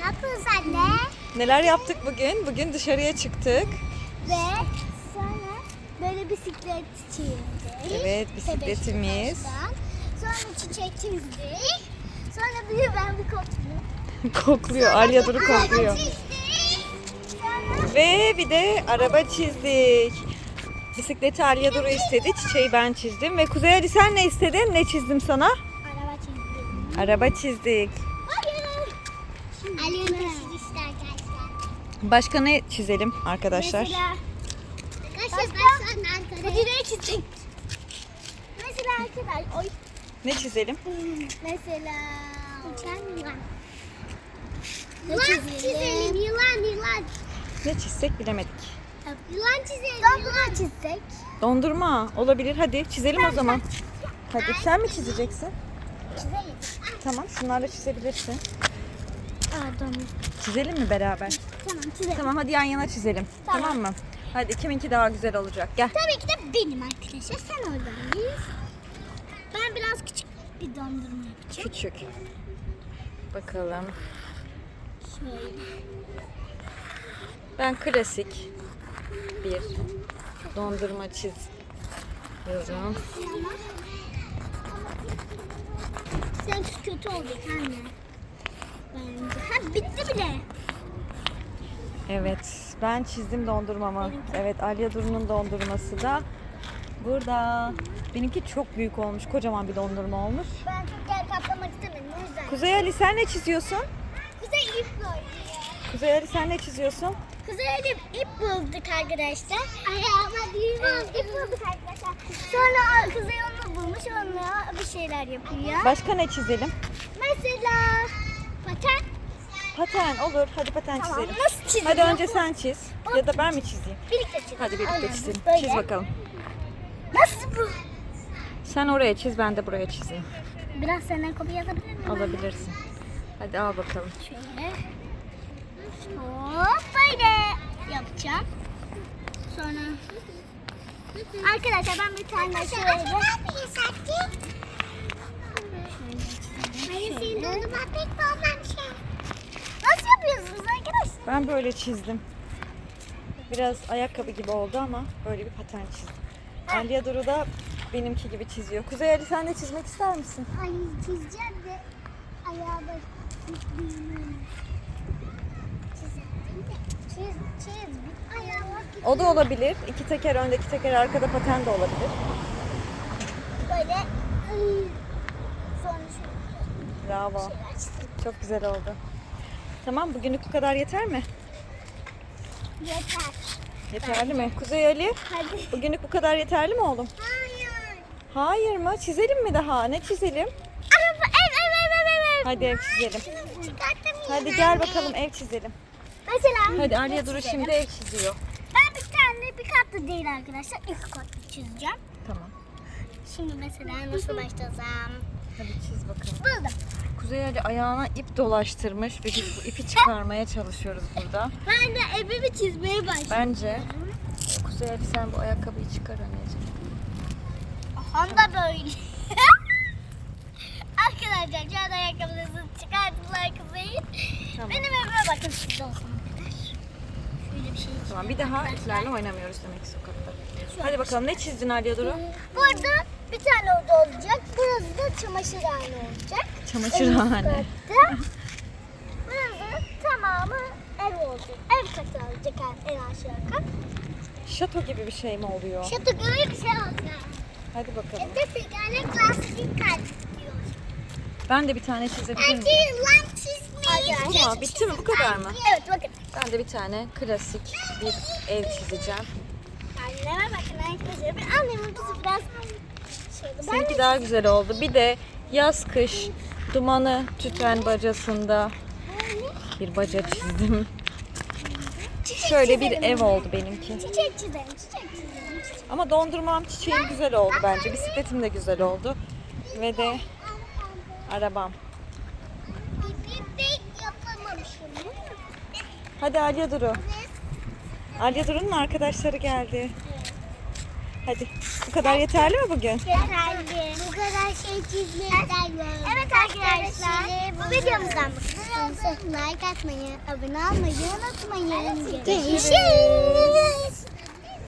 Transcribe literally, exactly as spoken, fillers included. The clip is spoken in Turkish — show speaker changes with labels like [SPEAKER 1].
[SPEAKER 1] yapıyoruz anne?
[SPEAKER 2] Neler yaptık bugün? Bugün dışarıya çıktık.
[SPEAKER 1] Ve sonra böyle bisiklet çizdik.
[SPEAKER 2] Evet, bisikletimiz.
[SPEAKER 1] Taştan. Sonra çiçek çizdik. Sonra bir ben bir kokluyorum.
[SPEAKER 2] Kokluyor. Alya Duru kokluyor.
[SPEAKER 1] Sonra
[SPEAKER 2] Ve bir de araba çizdik. Bisikleti Alya Duru istedi. Çiçeği ben çizdim. Ve Kuzey Ali sen ne istedin? Ne çizdim sana?
[SPEAKER 1] araba çizdik.
[SPEAKER 2] Araba çizdik.
[SPEAKER 1] Hayır. Ali'nin taşıdı işte arkadaşlar.
[SPEAKER 2] Başka ne çizelim arkadaşlar?
[SPEAKER 1] Mesela arkadaşlar ben şu an Ankara'ya. Bu direği çizdik. Mesela arkadaşlar. Oy.
[SPEAKER 2] Ne çizelim?
[SPEAKER 1] Mesela uçan yılan. Yılan çizelim. Yılan yılan.
[SPEAKER 2] Ne çizsek bilemedik.
[SPEAKER 1] Yılan çizelim. Dondurma çizsek.
[SPEAKER 2] Dondurma olabilir. Hadi çizelim o zaman. Hadi sen mi çizeceksin?
[SPEAKER 1] Çizelim.
[SPEAKER 2] Tamam, şunlarla çizebilirsin.
[SPEAKER 1] Aa dondurma.
[SPEAKER 2] Çizelim mi beraber?
[SPEAKER 1] Tamam çizelim.
[SPEAKER 2] Tamam, hadi yan yana çizelim. Tamam,
[SPEAKER 1] Tamam.
[SPEAKER 2] mı? Hadi kiminki daha güzel olacak. Gel.
[SPEAKER 1] Tabii ki de benim arkadaşlar. Sen oradayız. Ben biraz küçük bir dondurma yapacağım.
[SPEAKER 2] Küçük. Bakalım.
[SPEAKER 1] Şöyle.
[SPEAKER 2] Ben klasik bir dondurma çiziyorum.
[SPEAKER 1] Ama seninki kötü olacak anne. Bence. Ha bitti bile.
[SPEAKER 2] Evet, ben çizdim dondurmamı. Evet, Alya Duru'nun dondurması da burada. Benimki çok büyük olmuş, kocaman bir dondurma olmuş.
[SPEAKER 1] Ben çok yer kaplamak istemedim o yüzden.
[SPEAKER 2] Kuzey Ali sen ne çiziyorsun?
[SPEAKER 1] Kuzey ip koydu.
[SPEAKER 2] Kuzey Ali sen ne çiziyorsun?
[SPEAKER 1] Kuzey'de ip bulduk arkadaşlar. Ayağıma düğüm oldu. İp bulduk arkadaşlar. Sonra Kuzey onu bulmuş, onunla bir şeyler yapıyor.
[SPEAKER 2] Başka ne çizelim?
[SPEAKER 1] Mesela paten.
[SPEAKER 2] Paten olur. Hadi paten
[SPEAKER 1] Tamam.
[SPEAKER 2] çizelim.
[SPEAKER 1] Nasıl çiziyor?
[SPEAKER 2] Hadi önce sen çiz. Ya da ben mi çizeyim?
[SPEAKER 1] Birlikte çizelim.
[SPEAKER 2] Hadi birlikte
[SPEAKER 1] Aynen,
[SPEAKER 2] çizelim.
[SPEAKER 1] böyle.
[SPEAKER 2] Çiz bakalım.
[SPEAKER 1] Nasıl bu?
[SPEAKER 2] Sen oraya çiz, ben de buraya çizeyim.
[SPEAKER 1] Biraz senden kopya alabilir miyim?
[SPEAKER 2] Alabilirsin. Hadi al bakalım.
[SPEAKER 1] Şöyle. Hop böyle yapacağım. Sonra arkadaşlar ben bir tane şöyle. Ne yapıyorsun Serkin? Hayır senin dondurma pek olmamış ya. Nasıl yapıyorsunuz arkadaşlar?
[SPEAKER 2] Ben böyle çizdim. Biraz ayakkabı gibi oldu ama böyle bir paten çizdim. Alya Duru da benimki gibi çiziyor. Kuzey Ali sen de çizmek ister misin?
[SPEAKER 1] Ay çizeceğim de ayağıma çizeyim. Çiz, çiz. Ayağıma
[SPEAKER 2] O da olabilir. İki teker önde, iki teker arkada paten de olabilir.
[SPEAKER 1] böyle. Ay. Sonra şöyle
[SPEAKER 2] Bravo.
[SPEAKER 1] şeyler çizdim.
[SPEAKER 2] Çok güzel oldu. Tamam, bugünlük bu kadar yeter mi?
[SPEAKER 1] Yeter.
[SPEAKER 2] Yeterli mi? Kuzey Ali,
[SPEAKER 1] Hadi.
[SPEAKER 2] bugünlük bu kadar yeterli mi oğlum?
[SPEAKER 1] Hayır.
[SPEAKER 2] Hayır mı? Çizelim mi daha? Ne çizelim?
[SPEAKER 1] Araba ev ev ev ev ev.
[SPEAKER 2] Hadi ev çizelim.
[SPEAKER 1] Çıkarttım
[SPEAKER 2] Hadi
[SPEAKER 1] yine.
[SPEAKER 2] gel bakalım ev çizelim.
[SPEAKER 1] Mesela.
[SPEAKER 2] Hadi Alya
[SPEAKER 1] ne
[SPEAKER 2] Duru
[SPEAKER 1] çizelim?
[SPEAKER 2] şimdi ev çiziyor.
[SPEAKER 1] Ben bir tane bir katlı değil arkadaşlar. İki katlı çizeceğim.
[SPEAKER 2] Tamam.
[SPEAKER 1] Şimdi mesela nasıl başlasam?
[SPEAKER 2] Hadi çiz bakalım.
[SPEAKER 1] Buldum.
[SPEAKER 2] Kuzey Ali ayağına ip dolaştırmış ve biz bu ipi çıkarmaya çalışıyoruz burada.
[SPEAKER 1] Ben de evimi çizmeye başladım.
[SPEAKER 2] Bence Kuzey Ali sen bu ayakkabıyı çıkar anneciğim.
[SPEAKER 1] Honda böyle. Arkadaşlar şu an ayakkabılarını çıkarttılar Kuzey'in.
[SPEAKER 2] Tamam.
[SPEAKER 1] Benim evime bakın siz olsun kadar. Şöyle bir şey.
[SPEAKER 2] Tamam, bir daha iplerle oynamıyoruz demek ki sokakta. Hadi bakalım, ne çizdin Alya Duru?
[SPEAKER 1] Burada bir tane oda olacak. Burası da çamaşırhane olacak.
[SPEAKER 2] Çamaşırhane.
[SPEAKER 1] En üst katta. Burası tamamı ev olacak. Ev katı olacak en aşağı kat.
[SPEAKER 2] Şato gibi bir şey mi oluyor?
[SPEAKER 1] Şato gibi bir şey olacak.
[SPEAKER 2] Hadi bakalım.
[SPEAKER 1] Hem de tekerlek lastik kat diyor.
[SPEAKER 2] Ben de bir tane çizebilir miyim?
[SPEAKER 1] lan çizmeyi.
[SPEAKER 2] Bu mu? Bitti mi? Bu kadar mı?
[SPEAKER 1] Evet bakın.
[SPEAKER 2] Ben de bir tane klasik bir ev çizeceğim.
[SPEAKER 1] Anneme bakın arkadaşlar. Ben annemin kızı biraz şöyle.
[SPEAKER 2] Seninki daha güzel oldu. Bir de yaz kış dumanı tüten bacasında bir baca çizdim. Şöyle bir ev oldu benimki.
[SPEAKER 1] Çiçek çizelim, çiçek çizelim. çiçek.
[SPEAKER 2] Ama dondurmam çiçeğim güzel oldu bence. Bisikletim de güzel oldu. Ve de arabam.
[SPEAKER 1] Bir bebek yapamamışım.
[SPEAKER 2] Hadi Alya Duru. Alya Duru'nun arkadaşları geldi. Hadi. Bu kadar yeterli mi bugün?
[SPEAKER 1] Yeterli. Bu kadar şey çizmekten Evet arkadaşlar. Bu videomuzdan bu kadar Like atmayı, abone olmayı unutmayın. Görüşürüz.